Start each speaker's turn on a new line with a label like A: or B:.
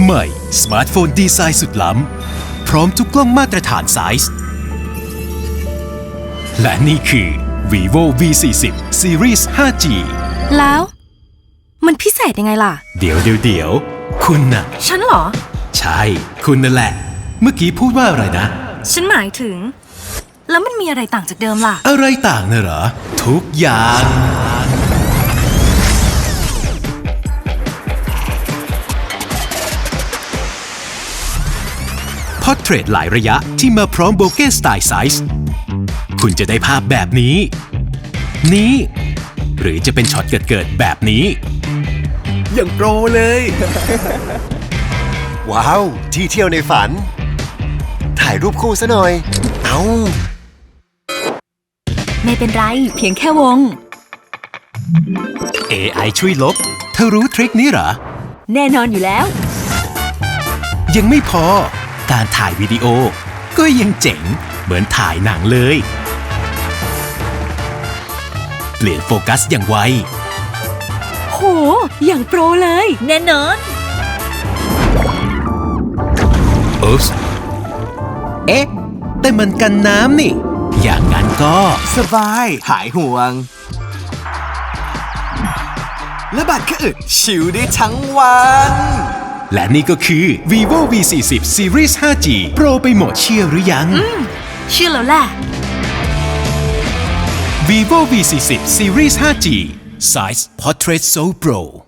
A: ใหม่สมาร์ทโฟนดีไซน์สุดล้ำพร้อมทุกกล้องมาตรฐานไซส์และนี่คือ Vivo V40 Series 5G
B: แล้วมันพิเศษยังไงล่ะ
A: เดี๋ยวคุณน่ะ
B: ฉันเหรอ
A: ใช่คุณนั่นแหละเมื่อกี้พูดว่าอะไรนะ
B: ฉันหมายถึงแล้วมันมีอะไรต่างจากเดิมล่ะ
A: อะไรต่างน่ะเหรอทุกอย่างพอร์เทรตหลายระยะที่มาพร้อมโบเก้สไตล์ไซส์คุณจะได้ภาพแบบนี้หรือจะเป็นช็อตเกิดแบบนี้อย่างโปรเลย
C: ว้าวที่เที่ยวในฝันถ่ายรูปคู่ซะหน่อยเอา
B: ไม่เป็นไรเพียงแค่วง
A: AI ช่วยลบเธอรู้ทริคนี้เหรอ
B: แน่นอนอยู่แล้ว
A: ยังไม่พอการถ่ายวิดีโอก็ยังเจ๋งเหมือนถ่ายหนังเลยเปลี่ยนโฟกัสอย่างไว
B: โหอย่างโปรเลยแน่นอน
A: อุ๊ปส์แต่มันกันน้ำนี่อย่างนั้นก็
D: สบายหายห่วงและบัตรก็อึดชิลได้ทั้งวัน
A: และนี่ก็คือ Vivo V40 Series 5G Pro ไปหมดเชื่อหรือยัง
B: เชื่อแล้วแหละ
A: Vivo V40 Series 5G Size Portrait So Pro